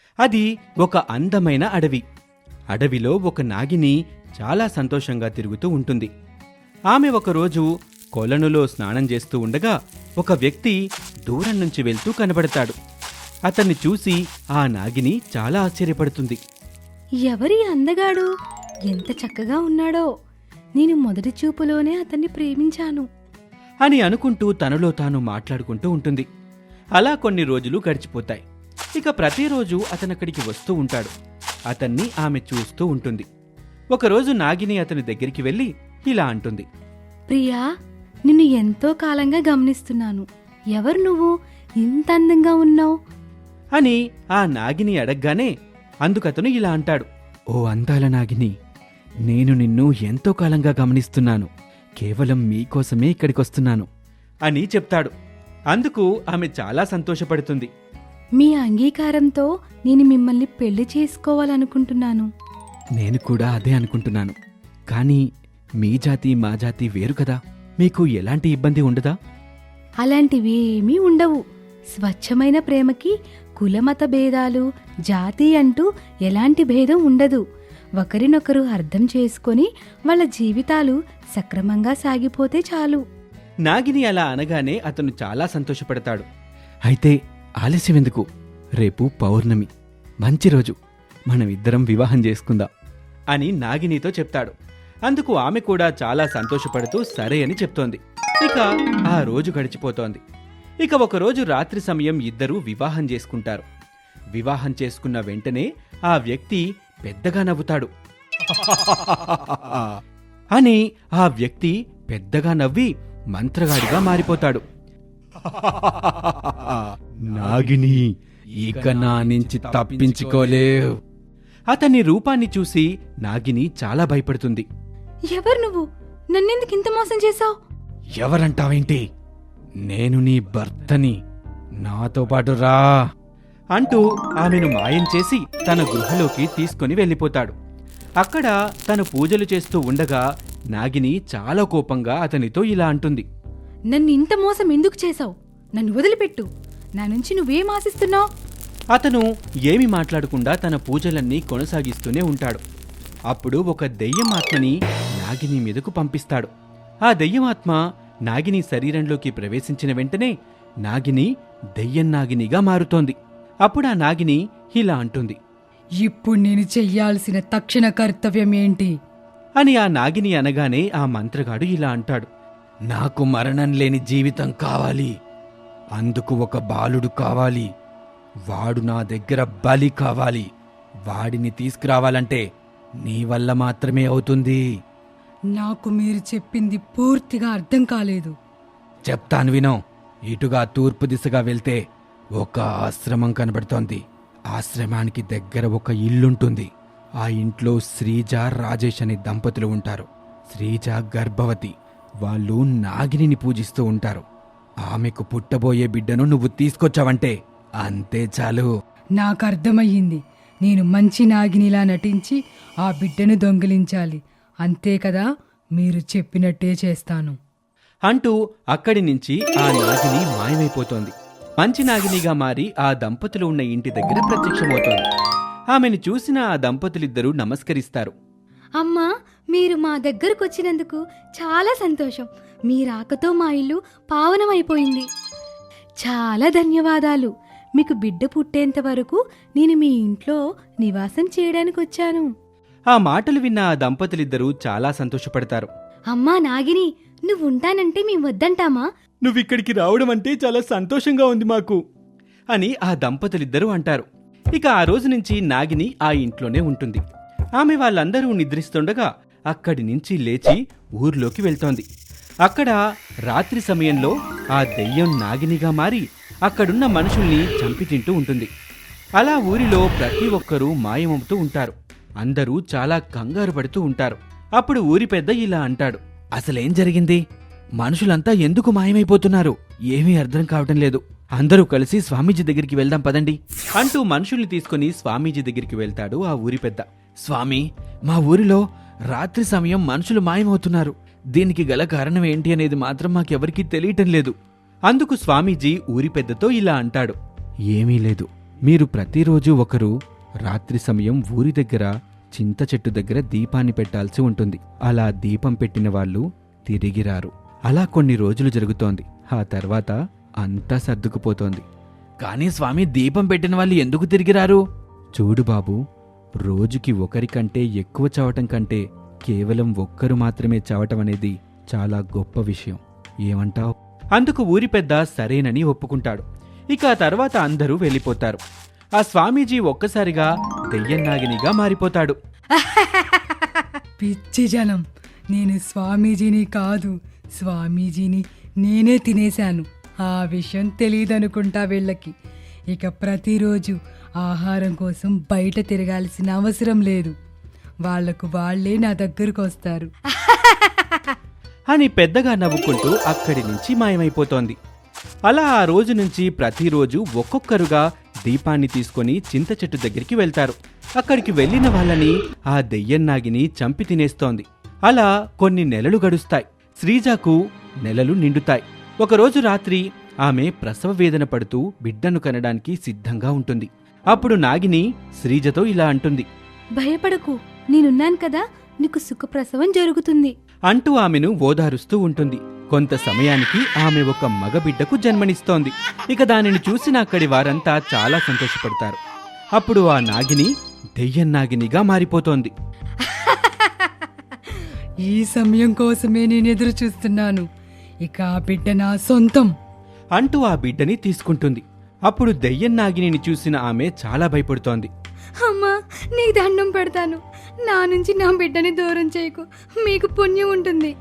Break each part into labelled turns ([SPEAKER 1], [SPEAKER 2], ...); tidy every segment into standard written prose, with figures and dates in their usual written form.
[SPEAKER 1] అది ఒక అందమైన అడవి. అడవిలో ఒక నాగిని చాలా సంతోషంగా తిరుగుతూ ఉంటుంది. ఆమె ఒకరోజు కొలనులో స్నానం చేస్తూ ఉండగా ఒక వ్యక్తి దూరం నుంచి వెళ్తూ కనబడతాడు. అతన్ని చూసి ఆ నాగిని చాలా ఆశ్చర్యపడుతుంది.
[SPEAKER 2] ఎవరి అందగాడు, ఎంత చక్కగా ఉన్నాడో! నేను మొదటి చూపులోనే అతన్ని ప్రేమించాను.
[SPEAKER 1] అని అనుకుంటూ తనలో తాను మాట్లాడుకుంటూ ఉంటుంది. అలా కొన్ని రోజులు గడిచిపోతాయి. ఇక ప్రతిరోజు అతనక్కడికి వస్తూ ఉంటాడు. అతన్ని ఆమె చూస్తూ ఉంటుంది. ఒకరోజు నాగిని అతని దగ్గరికి వెళ్ళి ఇలా అంటుంది.
[SPEAKER 2] ప్రియా, నిన్ను ఎంతో కాలంగా గమనిస్తున్నాను. ఎవరు నువ్వు? ఇంత అందంగా ఉన్నావు
[SPEAKER 1] అని ఆ నాగిని అడగ్గానే అందుకతను ఇలా అంటాడు. ఓ అందాల నాగిని, నేను నిన్ను ఎంతో కాలంగా గమనిస్తున్నాను. కేవలం మీకోసమే ఇక్కడికొస్తున్నాను అని చెప్తాడు. అందుకు ఆమె చాలా సంతోషపడుతుంది.
[SPEAKER 2] మీ అంగీకారంతో నేను మిమ్మల్ని పెళ్లి చేసుకోవాలనుకుంటున్నాను.
[SPEAKER 1] నేను కూడా అదే అనుకుంటున్నాను. కానీ మీ జాతి మా జాతి వేరు కదా, మీకు ఎలాంటి ఇబ్బంది ఉండదా?
[SPEAKER 2] అలాంటివేమీ ఉండవు. స్వచ్ఛమైన ప్రేమకి కులమత భేదాలు, జాతి అంటూ ఎలాంటి భేదం ఉండదు. ఒకరినొకరు అర్థం చేసుకొని వాళ్ళ జీవితాలు సక్రమంగా సాగిపోతే చాలు.
[SPEAKER 1] నాగిని అలా అనగానే అతను చాలా సంతోషపడతాడు. అయితే ఆలస్యం ఎందుకు? రేపు పౌర్ణమి, మంచి రోజు, మనమిద్దరం వివాహం చేసుకుందాం అని నాగినితో చెప్తాడు. అందుకు ఆమె కూడా చాలా సంతోషపడుతూ సరే అని చెప్తోంది. ఇక ఆ రోజు గడిచిపోతోంది. ఇక ఒకరోజు రాత్రి సమయం ఇద్దరూ వివాహం చేసుకుంటారు. వివాహం చేసుకున్న వెంటనే ఆ వ్యక్తి పెద్దగా నవ్వుతాడు. అని ఆ వ్యక్తి పెద్దగా నవ్వి మంత్రగాడిగా మారిపోతాడు. నాగిని, ఇక నా నుంచి తప్పించుకోలేవు. అతని రూపాన్ని చూసి నాగిని చాలా భయపడుతుంది.
[SPEAKER 2] ఎవరు నువ్వు? నన్నెందుకు ఇంత మోసం చేశావు?
[SPEAKER 1] ఎవరంటావేంటి? నేను నీ భర్తని, నాతో పాటు రా అంటూ ఆమెను మాయం చేసి తన గృహలోకి తీసుకుని వెళ్ళిపోతాడు. అక్కడ తను పూజలు చేస్తూ ఉండగా నాగిని చాలా కోపంగా అతనితో ఇలా అంటుంది.
[SPEAKER 2] నన్ను ఇంత మోసం ఎందుకు చేశావు? నన్ను వదిలిపెట్టు. నా నుంచి నువ్వేం ఆశిస్తున్నావు?
[SPEAKER 1] అతను ఏమి మాట్లాడకుండా తన పూజలన్నీ కొనసాగిస్తూనే ఉంటాడు. అప్పుడు ఒక దెయ్యమాత్మని నాగిని మీదకు పంపిస్తాడు. ఆ దెయ్యమాత్మ నాగిని శరీరంలోకి ప్రవేశించిన వెంటనే నాగిని దెయ్యం నాగినిగా మారుతోంది. అప్పుడు ఆ నాగిని ఇలా అంటుంది.
[SPEAKER 2] ఇప్పుడు నేను చెయ్యాల్సిన తక్షణ కర్తవ్యం ఏంటి
[SPEAKER 1] అని ఆ నాగిని అనగానే ఆ మంత్రగాడు ఇలా అంటాడు. నాకు మరణం లేని జీవితం కావాలి. అందుకు ఒక బాలుడు కావాలి. వాడు నా దగ్గర బలి కావాలి. వాడిని తీసుకురావాలంటే నీ వల్ల మాత్రమే అవుతుంది.
[SPEAKER 2] నాకు మీరు చెప్పింది పూర్తిగా అర్థం కాలేదు.
[SPEAKER 1] చెప్తాను వినో. ఇటుగా తూర్పు దిశగా వెళ్తే ఒక ఆశ్రమం కనబడుతోంది. ఆశ్రమానికి దగ్గర ఒక ఇల్లుంటుంది. ఆ ఇంట్లో శ్రీజ, రాజేష్ అనే దంపతులు ఉంటారు. శ్రీజ గర్భవతి. వాళ్ళు నాగిని పూజిస్తూ ఉంటారు. ఆమెకు పుట్టబోయే బిడ్డను నువ్వు తీసుకొచ్చావంటే అంతే చాలు.
[SPEAKER 2] నాకు అర్థమయ్యింది. నేను మంచి నాగినిలా నటించి ఆ బిడ్డను దొంగిలించాలి. అంతే కదా? మీరు చెప్పినట్టే చేస్తాను
[SPEAKER 1] అంటూ అక్కడి నుంచి ఆ నాగిని మాయమైపోతోంది. మంచి నాగినిగా మారి ఆ దంపతులు ఉన్న ఇంటి దగ్గర ప్రత్యక్షమవుతోంది. ఆమెను చూసిన ఆ దంపతులిద్దరూ నమస్కరిస్తారు.
[SPEAKER 2] అమ్మా, మీరు మా దగ్గరకొచ్చినందుకు చాలా సంతోషం. మీ రాకతో మా ఇల్లు పావనమైపోయింది. చాలా ధన్యవాదాలు. మీకు బిడ్డ పుట్టేంత వరకు నేను మీ ఇంట్లో నివాసం చేయడానికి వచ్చాను.
[SPEAKER 1] ఆ మాటలు విన్న ఆ దంపతులిద్దరూ చాలా సంతోషపడతారు.
[SPEAKER 2] అమ్మా నాగిని, నువ్వు ఉంటానంటే మేము వద్దంటామా?
[SPEAKER 1] నువ్విక్కడికి రావడం అంటే చాలా సంతోషంగా ఉంది మాకు అని ఆ దంపతులిద్దరూ అంటారు. ఇక ఆ రోజు నుంచి నాగిని ఆ ఇంట్లోనే ఉంటుంది. ఆమె వాళ్ళందరూ నిద్రిస్తుండగా అక్కడి నుంచి లేచి ఊర్లోకి వెళ్తోంది. అక్కడ రాత్రి సమయంలో ఆ దెయ్యం నాగినిగా మారి అక్కడున్న మనుషుల్ని చంపి తింటూ ఉంటుంది. అలా ఊరిలో ప్రతి ఒక్కరూ మాయమవుతూ ఉంటారు. అందరూ చాలా కంగారు పడుతూ ఉంటారు. అప్పుడు ఊరి పెద్ద ఇలా అంటాడు. అసలేం జరిగింది? మనుషులంతా ఎందుకు మాయమైపోతున్నారు? ఏమీ అర్థం కావటం లేదు. అందరూ కలిసి స్వామీజీ దగ్గరికి వెళ్దాం పదండి అంటూ మనుషుల్ని తీసుకుని స్వామీజీ దగ్గరికి వెళ్తాడు ఆ ఊరి పెద్ద. స్వామి, మా ఊరిలో రాత్రి సమయం మనుషులు మాయమవుతున్నారు. దీనికి గల కారణం ఏంటి అనేది మాత్రం మాకెవరికీ తెలియటం లేదు. అందుకు స్వామీజీ ఊరి పెద్దతో ఇలా అంటాడు. ఏమీ లేదు, మీరు ప్రతిరోజు ఒకరు రాత్రి సమయం ఊరి దగ్గర చింత చెట్టు దగ్గర దీపాన్ని పెట్టాల్సి ఉంటుంది. అలా దీపం పెట్టిన వాళ్ళు తిరిగి రారు. అలా కొన్ని రోజులు జరుగుతోంది. ఆ తర్వాత అంతా సర్దుకుపోతోంది. కానీ స్వామి, దీపం పెట్టిన వాళ్ళు ఎందుకు తిరిగి రారు? చూడు బాబు, రోజుకి ఒకరికంటే ఎక్కువ చవటం కంటే కేవలం ఒక్కరు మాత్రమే చవటం అనేది చాలా గొప్ప విషయం. ఏమంటావ్? అందుకు ఊరి పెద్ద సరేనని ఒప్పుకుంటాడు. ఇక ఆ తర్వాత అందరూ వెళ్ళిపోతారు. ఆ స్వామీజీ ఒక్కసారిగా దెయ్యం నాగినిగా మారిపోతాడు.
[SPEAKER 3] పిచ్చి జనం, నేను స్వామీజీని కాదు, స్వామీజీని నేనే తినేశాను. ఆ విషయం తెలియదనుకుంటా వీళ్ళకి. ఇక ప్రతిరోజు ఆహారం కోసం బయట తిరగాల్సిన అవసరం లేదు. వాళ్లకు వాళ్లే నా దగ్గరకు వస్తారు
[SPEAKER 1] అని పెద్దగా నవ్వుకుంటూ అక్కడి నుంచి మాయమైపోతోంది. అలా ఆ రోజు నుంచి ప్రతిరోజు ఒక్కొక్కరుగా దీపాన్ని తీసుకొని చింత చెట్టు దగ్గరికి వెళ్తారు. అక్కడికి వెళ్లిన వాళ్ళని ఆ దెయ్యం నాగిని చంపి తినేస్తోంది. అలా కొన్ని నెలలు గడుస్తాయి. శ్రీజకు నెలలు నిండుతాయి. ఒకరోజు రాత్రి ఆమె ప్రసవ వేదన పడుతూ బిడ్డను కనడానికి సిద్ధంగా ఉంటుంది. అప్పుడు నాగిని శ్రీజతో ఇలా అంటుంది.
[SPEAKER 2] భయపడకు, నేనున్నాను కదా, నీకు సుఖప్రసవం జరుగుతుంది
[SPEAKER 1] అంటూ ఆమెను ఓదారుస్తూ ఉంటుంది. కొంత సమయానికి ఆమె ఒక మగబిడ్డకు జన్మనిస్తోంది. ఇక దానిని చూసిన అక్కడి వారంతా చాలా సంతోషపడతారు. అప్పుడు ఆ నాగిని దెయ్యం నాగినిగా మారిపోతోంది.
[SPEAKER 3] ఈ సమయం కోసమే నేను ఎదురు చూస్తున్నాను. ఇక ఆ బిడ్డ నా సొంతం
[SPEAKER 1] అంటూ ఆ బిడ్డని తీసుకుంటుంది. అప్పుడు దెయ్యం నాగిని చూసిన ఆమె చాలా భయపడుతోంది.
[SPEAKER 2] అమ్మా, నీకు దండం పెడతాను, నా నుంచి నా బిడ్డని దూరం చేయకు, మీకు పుణ్యం ఉంటుంది.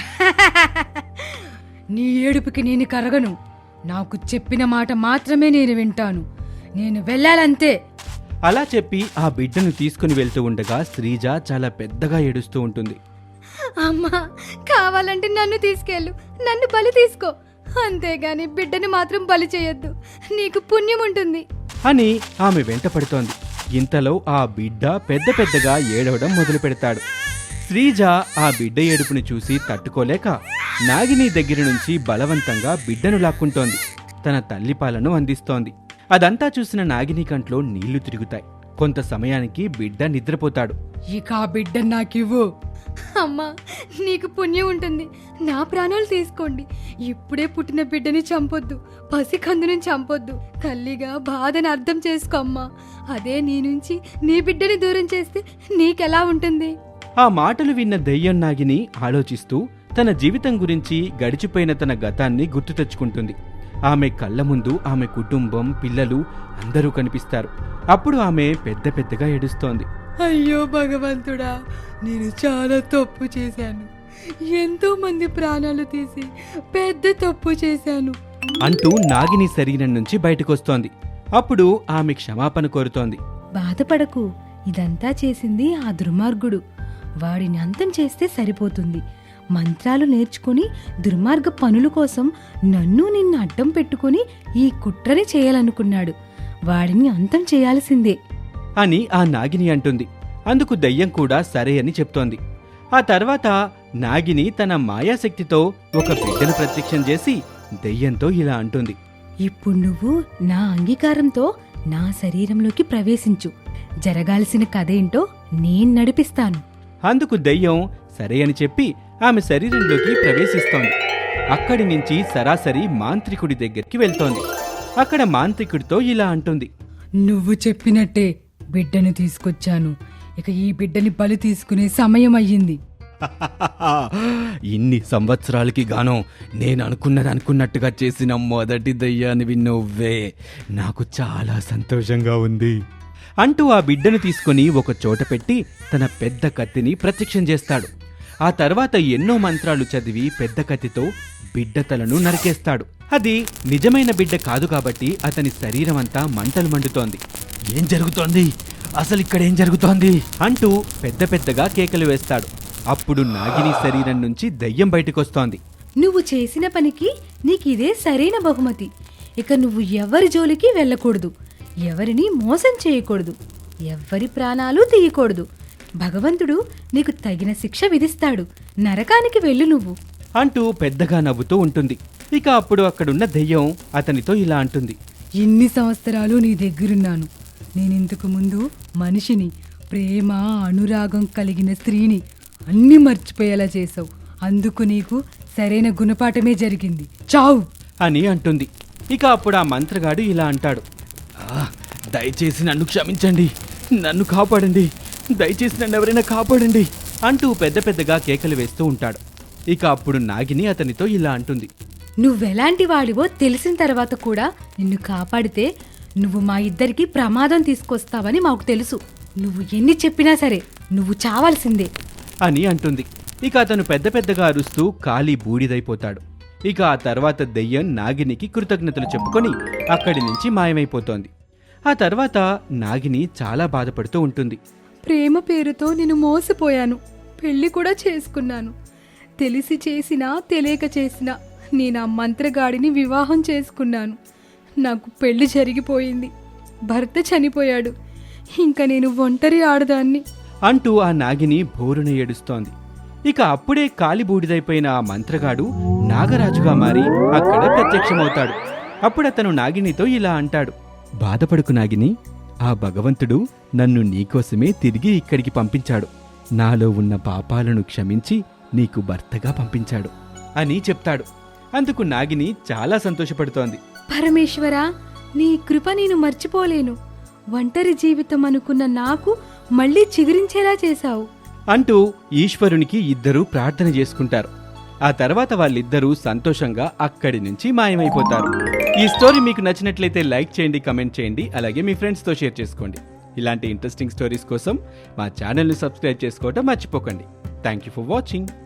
[SPEAKER 3] నీ ఏడుపుకి నేను కరగను. నాకు చెప్పిన మాట మాత్రమే నేను వింటాను. నేను వెళ్ళాలంతే.
[SPEAKER 1] అలా చెప్పి ఆ బిడ్డను తీసుకుని వెళ్తూ ఉండగా శ్రీజ చాలా పెద్దగా ఏడుస్తూ ఉంటుంది.
[SPEAKER 2] అమ్మా, కావాలంటే నన్ను తీసుకెళ్ళు, నన్ను బలి తీసుకో, అంతేగాని బిడ్డని మాత్రం బలి చేయొద్దు, నీకు పుణ్యం ఉంటుంది
[SPEAKER 1] అని ఆమె వెంట పడుతోంది. ఇంతలో ఆ బిడ్డ పెద్ద పెద్దగా ఏడవడం మొదలు పెడతాడు. శ్రీజ ఆ బిడ్డ ఏడుపుని చూసి తట్టుకోలేక నాగిని దగ్గర నుంచి బలవంతంగా బిడ్డను లాక్కుంటోంది. తన తల్లిపాలను అందిస్తోంది. అదంతా చూసిన నాగిని కంట్లో నీళ్లు తిరుగుతాయి. కొంత సమయానికి బిడ్డ నిద్రపోతాడు.
[SPEAKER 3] ఇక ఆ బిడ్డ నాకివ్వు.
[SPEAKER 2] అమ్మా, నీకు పుణ్యం ఉంటుంది, నా ప్రాణాలు తీసుకోండి. ఇప్పుడే పుట్టిన బిడ్డని చంపొద్దు, పసికందుని చంపొద్దు, తల్లిగా బాధని అర్థం చేసుకో అమ్మా. అదే నీ నుంచి నీ బిడ్డని దూరం చేస్తే నీకెలా ఉంటుంది?
[SPEAKER 1] ఆ మాటలు విన్న దెయ్యం నాగిని ఆలోచిస్తూ తన జీవితం గురించి, గడిచిపోయిన తన గతాన్ని గుర్తు తెచ్చుకుంటుంది. ఆమె కళ్ళ ముందు ఆమె కుటుంబం, పిల్లలు అందరూ కనిపిస్తారు. అప్పుడు ఆమె పెద్ద పెద్దగా ఏడుస్తోంది.
[SPEAKER 3] అయ్యో భగవంతుడా, నేను చాలా తప్పు చేశాను. ఎంతో మంది ప్రాణాలు తీసి పెద్ద తప్పు చేశాను
[SPEAKER 1] అంటూ నాగిని శరీరం నుంచి బయటకొస్తోంది. అప్పుడు ఆమె క్షమాపణ కోరుతోంది.
[SPEAKER 2] బాధపడకు, ఇదంతా చేసింది ఆ దుర్మార్గుడు. వాడిని అంతం చేస్తే సరిపోతుంది. మంత్రాలు నేర్చుకుని దుర్మార్గ పనుల కోసం నన్ను నిన్ను అడ్డం పెట్టుకుని ఈ కుట్రని చేయాలనుకున్నాడు. వాడిని అంతం చేయాల్సిందే
[SPEAKER 1] అని ఆ నాగిని అంటుంది. అందుకు దెయ్యం కూడా సరే అని చెప్తోంది. ఆ తర్వాత నాగిని తన మాయాశక్తితో ఒక బిడ్డను ప్రత్యక్షం చేసి దెయ్యంతో ఇలా అంటుంది.
[SPEAKER 2] ఇప్పుడు నువ్వు నా అంగీకారంతో నా శరీరంలోకి ప్రవేశించు. జరగాల్సిన కథేంటో నేను నడిపిస్తాను.
[SPEAKER 1] అందుకు దెయ్యం సరే అని చెప్పి ఆమె శరీరంలోకి ప్రవేశిస్తోంది. అక్కడి నుంచి సరాసరి మాంత్రికుడి దగ్గరికి వెళ్తోంది. అక్కడ మాంత్రికుడితో ఇలా అంటుంది.
[SPEAKER 3] నువ్వు చెప్పినట్టే బిడ్డను తీసుకొచ్చాను. ఇక ఈ బిడ్డని బలి తీసుకునే సమయం అయ్యింది.
[SPEAKER 1] ఇన్ని సంవత్సరాలకి గాను నేను అనుకున్నట్టుగా చేసిన మొదటి దయ్యానివి నువ్వే. నాకు చాలా సంతోషంగా ఉంది అంటూ ఆ బిడ్డను తీసుకుని ఒక చోట పెట్టి తన పెద్ద కత్తిని ప్రత్యక్షం చేస్తాడు. ఆ తర్వాత ఎన్నో మంత్రాలు చదివి పెద్ద కత్తితో బిడ్డ తలను నరికేస్తాడు. అది నిజమైన బిడ్డ కాదు కాబట్టి అతని శరీరం అంతా మంటలు మండుతోంది. ఏం జరుగుతోంది, అసలు ఇక్కడేం జరుగుతోంది అంటూ పెద్ద పెద్దగా కేకలు వేస్తాడు. అప్పుడు నాగిని శరీరం నుంచి దయ్యం బయటకొస్తోంది.
[SPEAKER 2] నువ్వు చేసిన పనికి నీకిదే సరైన బహుమతి. ఇక నువ్వు ఎవరి జోలికి వెళ్ళకూడదు, ఎవరిని మోసం చేయకూడదు, ఎవ్వరి ప్రాణాలు తీయకూడదు. భగవంతుడు నీకు తగిన శిక్ష విధిస్తాడు. నరకానికి వెళ్ళు నువ్వు
[SPEAKER 1] అంటూ పెద్దగా నవ్వుతూ ఉంటుంది. ఇక అప్పుడు అక్కడున్న దెయ్యం అతనితో ఇలా అంటుంది.
[SPEAKER 3] ఎన్ని సంవత్సరాలు నీ దగ్గరున్నాను. నేను ఇంతకు ముందు మనిషిని, ప్రేమ అనురాగం కలిగిన స్త్రీని అన్నీ మర్చిపోయేలా చేసావు. అందుకు నీకు సరైన గుణపాఠమే జరిగింది. చావు
[SPEAKER 1] అని అంటుంది. ఇక అప్పుడు ఆ మంత్రగాడు ఇలా అంటాడు, దయచేసి నన్ను క్షమించండి, నన్ను కాపాడండి, దయచేసి నన్ను ఎవరైనా కాపాడండి అంటూ పెద్ద పెద్దగా కేకలు వేస్తూ ఉంటాడు. ఇక అప్పుడు నాగిని అతనితో ఇలా అంటుంది,
[SPEAKER 2] నువ్వెలాంటి వాడివో తెలిసిన తర్వాత కూడా నిన్ను కాపాడితే నువ్వు మా ఇద్దరికి ప్రమాదం తీసుకొస్తావని మాకు తెలుసు. నువ్వు ఎన్ని చెప్పినా సరే నువ్వు చావాల్సిందే
[SPEAKER 1] అని అంటుంది. ఇక అతను పెద్ద పెద్దగా అరుస్తూ కాలి బూడిదైపోతాడు. ఇక ఆ తర్వాత దెయ్యం నాగినికి కృతజ్ఞతలు చెప్పుకొని అక్కడి నుంచి మాయమైపోతోంది. ఆ తర్వాత నాగిని చాలా బాధపడుతూ ఉంటుంది.
[SPEAKER 2] ప్రేమ పేరుతో నేను మోసపోయాను, పెళ్లి కూడా చేసుకున్నాను. తెలిసి చేసినా తెలియక చేసినా నేను ఆ మంత్రగాడిని వివాహం చేసుకున్నాను. నాకు పెళ్లి జరిగిపోయింది, భర్త చనిపోయాడు, ఇంకా నేను ఒంటరి ఆడదాన్ని
[SPEAKER 1] అంటూ ఆ నాగిని బోరున ఏడుస్తోంది. ఇక అప్పుడే కాలిబూడిదైపోయిన ఆ మంత్రగాడు నాగరాజుగా మారి అక్కడ ప్రత్యక్షమవుతాడు. అప్పుడతను నాగినితో ఇలా అంటాడు, బాధపడుకు నాగిని, ఆ భగవంతుడు నన్ను నీకోసమే తిరిగి ఇక్కడికి పంపించాడు. నాలో ఉన్న పాపాలను క్షమించి నీకు భర్తగా పంపించాడు అని చెప్తాడు. అందుకు నాగిని చాలా సంతోషపడుతోంది.
[SPEAKER 2] పరమేశ్వరా, నీ కృప నేను మర్చిపోలేను. ఒంటరి జీవితం అనుకున్న నాకు మళ్ళీ చిగురించేలా చేశావు
[SPEAKER 1] అంటూ ఈశ్వరునికి ఇద్దరూ ప్రార్థన చేసుకుంటారు. ఆ తర్వాత వాళ్ళిద్దరూ సంతోషంగా అక్కడి నుంచి మాయమైపోతారు. ఈ స్టోరీ మీకు నచ్చినట్లయితే లైక్ చేయండి, కమెంట్ చేయండి, అలాగే మీ ఫ్రెండ్స్తో షేర్ చేసుకోండి. ఇలాంటి ఇంట్రెస్టింగ్ స్టోరీస్ కోసం మా ఛానల్ని సబ్స్క్రైబ్ చేసుకోవటం మర్చిపోకండి. Thank you for watching.